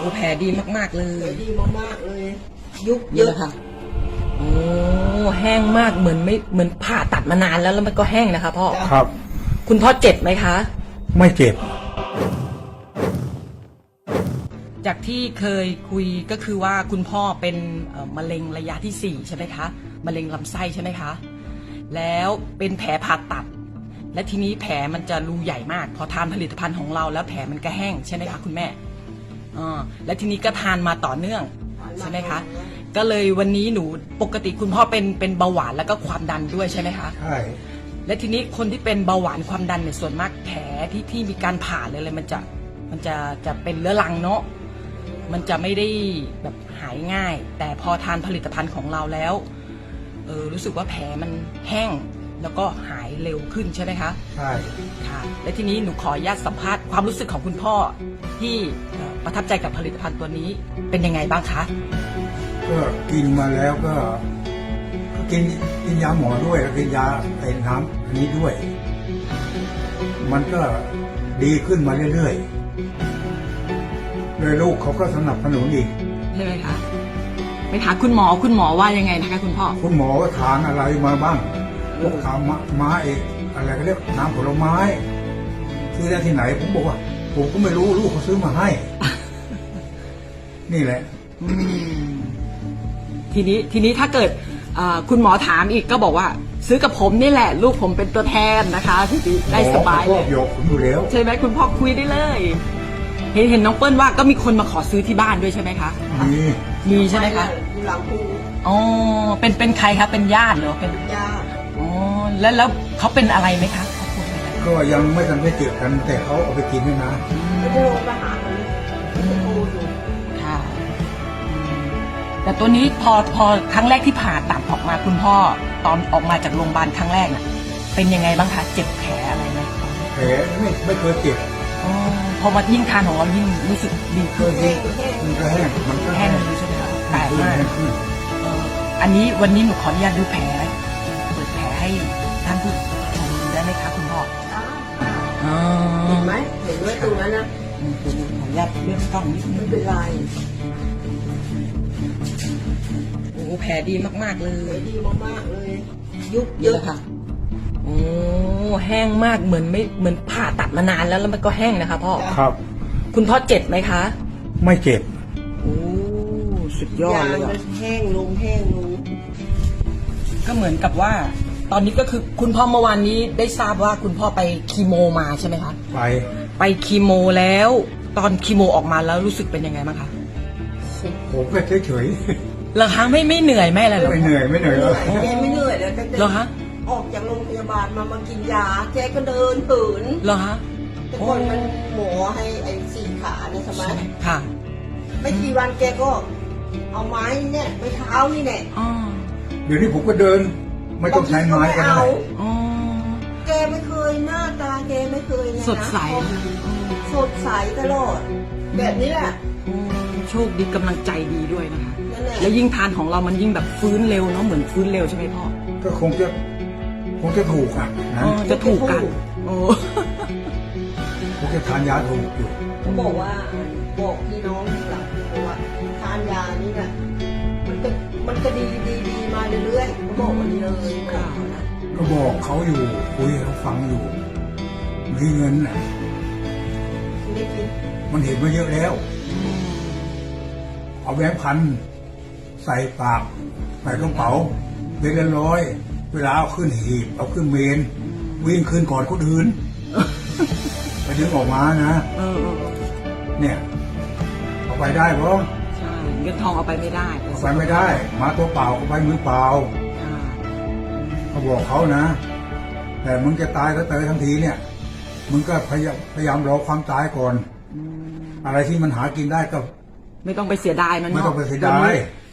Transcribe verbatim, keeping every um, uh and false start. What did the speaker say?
แผลดีมากๆเลแผลยดีมากๆเลย ยุบเยนี่อะแหละค่ะโอ้แห้งมากเหมือนไม่เหมือนผ่าตัดมานานแล้วแล้วมันก็แห้งนะคะพ่อครับคุณพ่อเจ็บไหมคะไม่เจ็บจากที่เคยคุยก็คือว่าคุณพ่อเป็นเอ่อมะเร็งระยะที่สี่ใช่ไหมคะมะเร็งลำไส้ใช่ไหมคะแล้วเป็นแผลผ่าตัด และทีนี้แผลมันจะรูใหญ่มาก พอทานผลิตภัณฑ์ของเราแล้วแผลมันก็แห้งใช่ไหมคะคุณแม่อ่าและทีนี้ก็ทานมาต่อเนื่องใช่ไหมคะก็เลยวันนี้หนูปกติคุณพ่อเป็นเป็นเบาหวานแล้วก็ความดันด้วยใช่ไหมคะใช่และทีนี้คนที่เป็นเบาหวานความดันเนี่ยส่วนมากแผลที่ที่มีการผ่าเลยเลยมันจะมันจะจะเป็นเรื้อรังเนาะมันจะไม่ได้แบบหายง่าย แต่พอทานผลิตภัณฑ์ของเราแล้วเออรู้สึกว่าแผลมันแห้งแล้วก็หายเร็วขึ้นใช่ไหมคะใช่ค่ะและทีนี้หนูขออนุญาตสัมภาษณ์ความรู้สึกของคุณพ่อที่เอ่อประทับใจกับผลิตภัณฑ์ตัวนี้เป็นยังไงบ้างคะก็กินมาแล้วก็ก็กินกินยาหมอด้วยแล้วกินยาไอ้น้ำอันนี้ด้วย มันก็ดีขึ้นมาเรื่อยๆเลยลูกเขาก็สนับสนุนอีกใช่ไหมคะไปถามคุณหมอคุณหมอว่ายังไงนะคะคุณพ่อคุณหมอก็ทานอะไรมาบ้างพวกทานมะไม้อะไรก็เรียกน้ำผลไม้ซื้อได้ที่ไหน ผมบอกว่า ผมก็ไม่รู้ลูกเขาซื้อมาให้ นี่แหละอืมทีนี้ทีนี้ถ้าเกิดเอ่อคุณหมอถามอีกก็บอกว่า ซื้อกับผมนี่แหละ ลูกผมเป็นตัวแทนนะคะที่ได้สบายหมเลอเขาชอย บยกผมอยู่แล้วใช่ไหมคุณพ่อคุยได้เลย เห็นเห็นน้องเปิ้ลว่าก็มีคนมาขอซื้อที่บ้านด้วยใช่ไหมคะมีมีใช่ไหมคะอยู่หลังภูอ๋อเป็นเป็นใครคะเป็นญาติเหรอเป็นยาอ๋อแล้วแล้วเขาเป็นอะไรไหมคะเขาพูดไหมคะก็ยังไม่ทันได้เจอกัน แต่เขาเอาไปกินด้วยนะไม่ได้ลงมาหาเลยจะโทรอยู่ค่ะอืมแต่ตัวนี้พอพอครั้งแรกที่ผ่าตัดออกมาคุณพ่อตอนออกมาจากโรงพยาบาลครั้งแรกน่ะ เป็นยังไงบ้างคะเจ็บแผลอะไรไหมแผลไม่ไม่เคยเจ็บอ๋อพอมายิ่งทานของเรายิ่งรู้สึกดีก็ขึ้นยิ่งมันก็แห้งมันก็แห้แห้งงดีใช่ไหมคะแปลกมากแห้งขึ้นเอ่ออันนี้วันนี้หนูขออนุญาตดูแผลเปิดแผลให้ท่านผู้ชมดูได้ไหมคะคุณพ่ออ๋อเห็นไหมเห็นไหมตรงนั้นนะอืมขออนุญาตเลื่อนกล้องนิดนึไม่งเป็นไรโอ้แผลดีมากๆเลแผลยดีมากๆเลย ยุบเยเยอะอะค่ะโอ้แห้งมากเหมือนไม่เหมือนผ่าตัดมานานแล้วแล้วมันก็แห้งนะคะพ่อครับคุณพ่อเจ็บไหมคะไม่เจ็บโอ้สุดยอดยางเลยมัอะนแห้งลงแห้งลงก็เหมือนกับว่า ตอนนี้ก็คือคุณพ่อเมื่อวานนี้ได้ทราบว่าคุณพ่อไปคีโมมาใช่ไหมคะไปไปคีโมแล้ว ตอนคีโมออกมาแล้วรู้สึกเป็นยังไงบ้างคะผมก็เฉยเหรอคะไม่ไม่เหนื่อยไม่อะไรๆเหรอไม่เหนื่อยไม่เหนื่อยเลยแกไม่เหนื่อยเลยตั้งแต่เหรอคะออกจากโรงพยาบาลมามากินยาแกก็เดินเหินเหรอคะแต่ก่อนมันหมอให้ไอ้สี่ขาเนี่ยใช่ไหมค่ะไม่กี่วันแกก็ เอาไม้เนี่ยไม้เท้านี่แหละอ๋อเดี๋ยวนี้ผมก็เดิน ไม่ต้องใช้ไม้ก็ได้เอาอ๋อแกไม่เคยหน้าตาแกไม่เคยเลยนะสดใสสดใสตลอด แบบนี้แหละโอ้โชคดีกำลังใจดีด้วยนะคะนั่นแหละแล้วยิ่งทานของเรามันยิ่งแบบฟื้นเร็วเนาะเหมือนฟื้นเร็วใช่ไหมพ่อก็คงจะคงจะถูกอ่ะนะอ๋อจะถูกกันโอ้คงจะทานยาถูกอยู่เขาบอกว่าบอกพี่น้องหลังบอกว่าทานยานี่นะมันก็มันก็ดีดีดีมาเรื่อยๆเขาบอกวันนี้เลยบอกเขานะก็บอกเขาอยู่คุยให้เขาฟังอยู่ มีเงินน่ะไม่ได้กินมันเห็นมาเยอะแล้ว เอาแบงค์พันใส่ปากใส่กระเป๋าเดือนละร้อย เวลาเอาขึ้นหีบเอาขึ้นเมน วิ่งขึ้นก่อนคนอื่นไปดึงออกมานะเออเออเนี่ยเอาไปได้เพราะใช่เงินทองเอาไปไม่ได้เอาไปไม่ได้ มาตัวเปล่าเอาไปมือเปล่าค่ะเขาบอกเขานะ แต่มึงจะตายก็เตยทั้งทีเนี่ย มึงก็พยายามพยายามรอความตายก่อนอืมอะไรที่มันหากินได้ก็ไม่ต้องไปเสียดายมันไม่เนาะต้องไปเสียดายดี๋วนี้